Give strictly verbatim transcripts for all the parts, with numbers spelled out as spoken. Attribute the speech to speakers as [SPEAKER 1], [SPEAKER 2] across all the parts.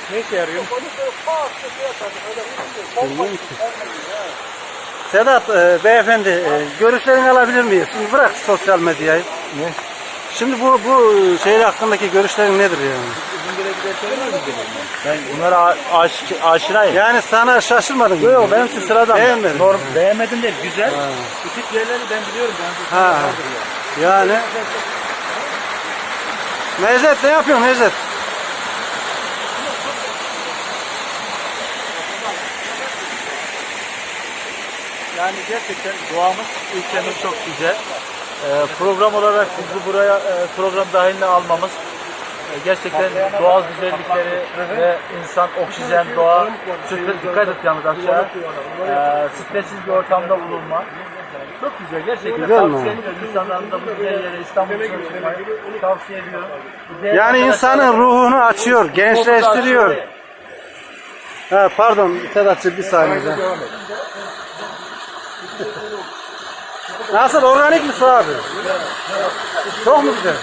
[SPEAKER 1] Ne işe yarıyor?
[SPEAKER 2] Sedat e, beyefendi e, görüşlerini alabilir miyiz? Şimdi bırak sosyal medyayı.
[SPEAKER 1] Ne?
[SPEAKER 2] Şimdi bu bu şey hakkındaki görüşlerin nedir yani?
[SPEAKER 1] Ben bunlara aş, aşinayım.
[SPEAKER 2] Yani sana şaşırmadın mı?
[SPEAKER 1] Yok yok benim için sıradan.
[SPEAKER 2] Beğenmedin.
[SPEAKER 1] Norm, beğenmedim değil, güzel. Bu tip yerleri ben biliyorum. Ben
[SPEAKER 2] Ha. Yani Mezet ne yapıyorsun Mezet?
[SPEAKER 1] Yani gerçekten doğamız, ülkemiz çok güzel. Ee, program olarak bizi buraya e, program dahiline almamız e, gerçekten doğal güzellikleri ve insan, oksijen, doğa, stres, dikkat et yalnız aşağı, e, stressiz bir ortamda bulunma. Çok güzel, gerçekten
[SPEAKER 2] Güzel mi?
[SPEAKER 1] tavsiye ediyorum insanların da bu güzel yere İstanbul'da yaşamayı tavsiye ediyorum.
[SPEAKER 2] Yani insanın ruhunu açıyor, gençleştiriyor. Ha, pardon Sedatçı bir saniye. Nasıl, organik mi su abi? Çok mu güzel?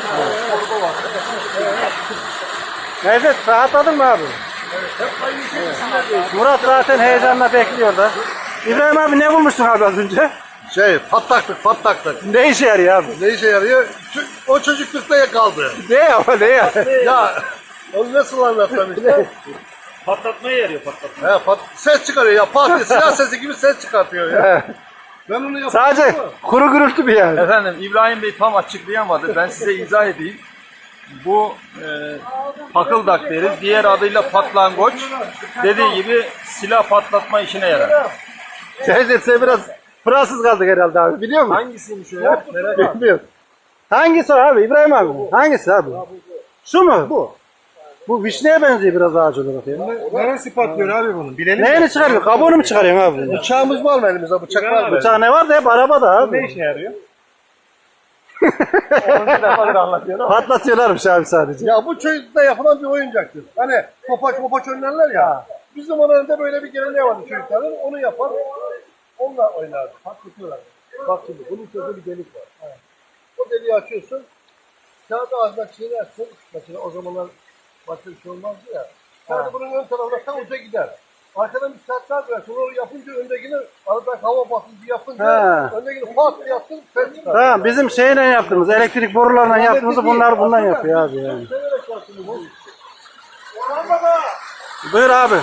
[SPEAKER 2] Mevcut rahatladın mı abi? Murat zaten heyecanla bekliyor da. İbrahim abi ne bulmuşsun abi az önce?
[SPEAKER 3] Şey patlaklık patlaklık.
[SPEAKER 2] Ne işe yarıyor abi?
[SPEAKER 3] Ne işe yarıyor? Ç- O çocuklukta kaldı.
[SPEAKER 2] Ne ya ne ya?
[SPEAKER 3] Ya onu nasıl anlatsam işte?
[SPEAKER 1] Patlatmaya yarıyor patlatma.
[SPEAKER 3] He, pat- ses çıkarıyor ya pat diye silah sesi gibi ses çıkartıyor ya. Ben onu yapıyorum.
[SPEAKER 2] Sadece kuru gürültü bir yani.
[SPEAKER 1] Efendim İbrahim Bey tam açıklayamadı. Ben size izah edeyim. Bu e, pakıldak deriz. Diğer adıyla patlangoç. Dediği gibi silah patlatma işine yarar.
[SPEAKER 2] Sen, sen biraz Fransız kaldık herhalde abi, biliyor musun?
[SPEAKER 1] Hangisiymiş o ya? Merak ettim.
[SPEAKER 2] Bilmiyorum. Hangisi o abi İbrahim abi? Hangisi abi? Şu mu? Bu. Bu vişneye benziyor biraz ağaç olarak ya.
[SPEAKER 3] Neresi patlıyor abi bunun? Bilelim.
[SPEAKER 2] Neyini çıkarıyor? Kabuğunu mu çıkarıyorsun abi?
[SPEAKER 3] Bıçağımız var mı elimizde? Bıçak var mı?
[SPEAKER 2] Bıçağı ne var da hep arabada abi.
[SPEAKER 1] işe yarıyor? onuncu defadır anlatıyor ama.
[SPEAKER 2] Patlatıyorlarmış abi sadece.
[SPEAKER 3] Ya bu çocukta yapılan bir oyuncaktır. Hani topaç mopaç oynarlar ya. Bizim onlarda böyle bir geleneği vardı çocukların. Onu yapar. Onunla oynardı. Patlatıyorlar. Bak şimdi bunun içinde bir delik var. Evet. O deliği açıyorsun. Kağıdı ağzına çiğnersin. Mesela o zamanlar başka bir şey olmazdı ya. Kağıdı bunun ön tarafına tam uca gider. Arkadan bir saatler versin. Onu yapınca öndekini aradan hava basıncı yapınca
[SPEAKER 2] Ha.
[SPEAKER 3] öndekini pat diye yaptın sen çıkar.
[SPEAKER 2] Tamam, bizim şeyle yaptığımız, elektrik borularla yaptığımızı bunlar bundan yapıyor abi yani.
[SPEAKER 3] Severek yaptın bu.
[SPEAKER 2] Buyur abi.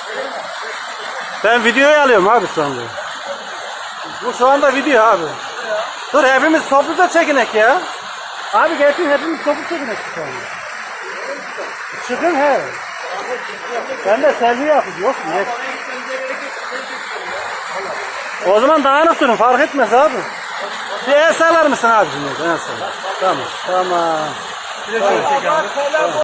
[SPEAKER 2] Ben videoyu alıyorum abi şu anda. Bu şu anda video abi. Dur hepimiz topluca çekinek ya. Abi gelsin hepimiz toplu çekinek şu anda. Çıkın he. Ben de selfie yapayım. Yok mu? Yok. O zaman dağınık durun, fark etmez abi. Bir el sallar mısın abi şimdi? El sallar. Tamam. Tamam.
[SPEAKER 1] Bir de şöyle çekelim.